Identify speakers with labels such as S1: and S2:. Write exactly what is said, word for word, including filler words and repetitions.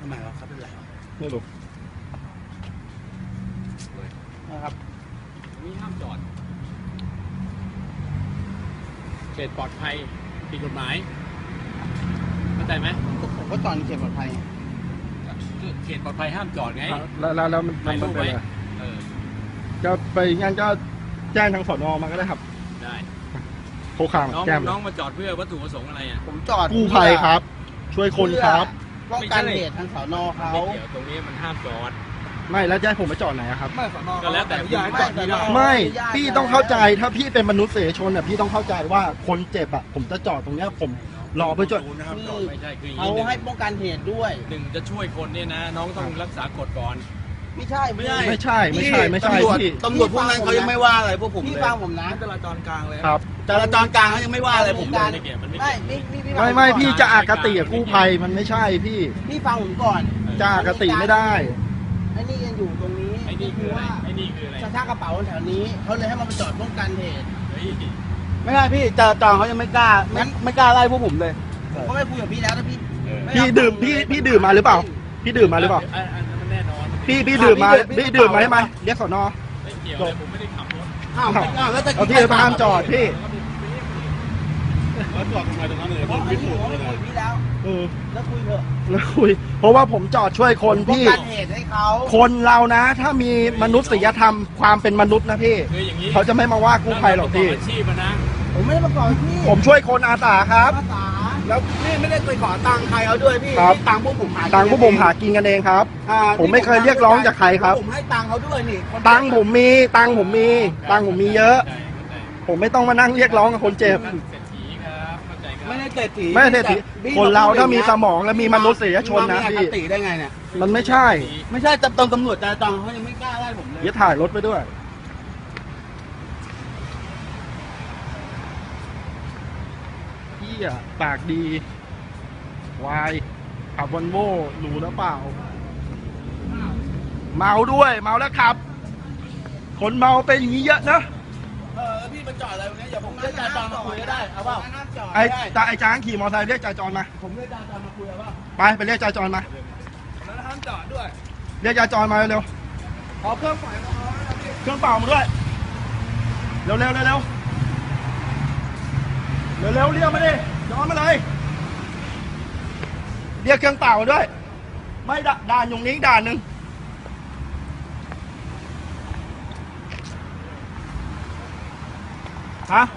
S1: ำไมวะเขาเป็นไร
S2: ไม่รู้
S1: นะครับ
S3: นี่ห้ามจอดเขตปลอดภัยผิดกฎหมายเข้าใจไหม
S1: ผมก็จอดในเขตปลอดภัย
S3: เขตปลอดภัยห้ามจอดไง
S2: แล้วแล้วแล้วมัน
S3: ถ่ายรูปไว้เออ
S2: จะไปงั้นก็แจ้งทางสน.มาก็ได้ครับ
S3: ได้
S2: โคขาม
S3: น้อง
S2: แจ้ง
S3: น้องมาจอดเพื่อวัตถุประสงค์อะไรอ่ะ
S1: ผมจอด
S2: กู้ภัยครับช่วยคนครับ
S1: ป้องกันเหตุทางสน.เขา
S3: เดี๋ยวตรงนี้มันห้ามจอด
S2: ไม่แล้วจะให้ผมไปจอดไหนครับ
S1: ไม่สน.
S3: ก็แล้วแต่
S1: ย้ายจอดไม่ได้
S2: ไม่พี่ต้องเข้าใจถ้าพี่เป็นมนุษยชนอ่ะพี่ต้องเข้าใจว่าคนเจ็บอ่ะผมจะจอดตรงเนี้ยผมรอเพื่อจอด
S3: ไม่ใช่คือ
S1: เขาให้ป้องกันเหตุด้วย
S3: หนึ่งจะช่วยคนเนี่ยนะน้องต้องรักษากฎก่อน
S1: ไม่ใช่ไม่ใช่
S2: ไม่ใช่ไม่ใช่ไม่ใช่พี่
S1: ตำรวจพวกนั้นเขายังไม่ว่าอะไรพวกผมพี่ฟังผมนะจราจรกลางเลย
S2: ครับ
S1: จราจรกลางเขายังไม่ว่าอะไรผมเลย
S3: ไม่
S2: ไม่ไม่พี่จะอคติกับกู้ภัยมันไม่ใช่พี่
S1: พี่ฟังผมก่อน
S2: จะอคติไม่ได้
S1: ไอ้นี่ยังอยู่ตรงนี้
S3: ไอ้นี่คืออะไรไอ้นี่คืออะไร
S1: กระชากกระเป๋าแถวนี้เขาเลยให้มันไปจอดป้องกันเหตุไม่ใช่พี่จราจรเขายังไม่กล้าไม่ไม่กล้าไล่พวกผมเลยผมก็ไม่คุยกับพี่แล้วนะพี่
S2: พี่ดื่มพี่พี่ดื่มมาหรือเปล่าพี่ดื่มมาหรือเปล่า
S3: แน่นอน
S2: พี่พี่ดื่มมาพี่ดื่มมาใช่ไหมเรียกสน.
S3: ไม่เกี่ยวเลยผมไม่ได้ขับรถ
S1: อ้าวอ้าวแล้วจะ
S2: พี่พามจอดพี่
S3: แล้วจอดทำไมตรงนั้นเลย
S1: ผมไม่คุยกับพี่แล้ว
S2: เออ
S1: แล้วคุยเถอะ
S2: แล้วคุยเพราะว่าผมจอดช่วยคนพี่
S1: ป้องกันเหตุให้เขา
S2: คนเรานะถ้ามีมนุษยธรรมความเป็นมนุษย์นะพี่เขาจะไม่มาว่ากู้ภัยหรอกพี่
S3: อาชีพนะ
S1: ผมไม่ได้มาก่อพี่
S2: ผมช่วยคนอาสาครับ
S1: อาสาแล้วพี่ไม่ได้ไปขอตังค์ใครเขาด้วยพี่ตังค์พวกผมหา
S2: ตังค์พวกผมหากินกันเองครับผมไม่เคยเรียกร้องจากใครครับ
S1: ผมให้ตังค์เขาด้วยนี่
S2: ตังค์ผมมีตังค์ผมมีตังค์ผมมีเยอะผมไม่ต้องมานั่งเรียกร้องกับคนเจ็บ
S1: ไม่ได้เศรษฐี
S2: ไม่ได้เศรษฐีคนเราถ้ามีสมองและมีมนุษยชนนะพี่
S1: ติได้ไงเนี่ย
S2: มันไม่ใช่
S1: ไม่ใช่ตำตำรวจจราจรเขายังไม่กล้าไล่ผมเลย
S2: เดี๋ยวถ่ายรถไปด้วยพี่อะปากดีวายขับวอลโว่หรูแล้วเปล่าเมาด้วยเมาแล้วขับคนเมาเป็นอย่างนี้เยอะนะ
S1: เออพี่มาจอดอะไรตรงนี้เดี๋ยวผมเรียกจราจรมาคุยก็ได้เอาเปล่า
S2: ไอ้ตาไอ้จ้างขี่มอเตอร์ไซค์เรียกจราจรมา
S1: ผมเรียกจราจรมาคุยเอาเปล่า
S2: ไปไปเรียกจราจรมา
S1: แล้วห้ามจอดด้วย
S2: เรียกจราจรมาเร็ว
S1: ขอเครื่องไฟมา
S2: เครื่องเป่ามาด้วยเร็วเร็วเร็วเร็วเร็วเร็วเรียกมาดิย้อนมาเลยเรียกเครื่องเป่ามาด้วยไม่ด่านอยู่นี้ด่านหนึ่งฮะ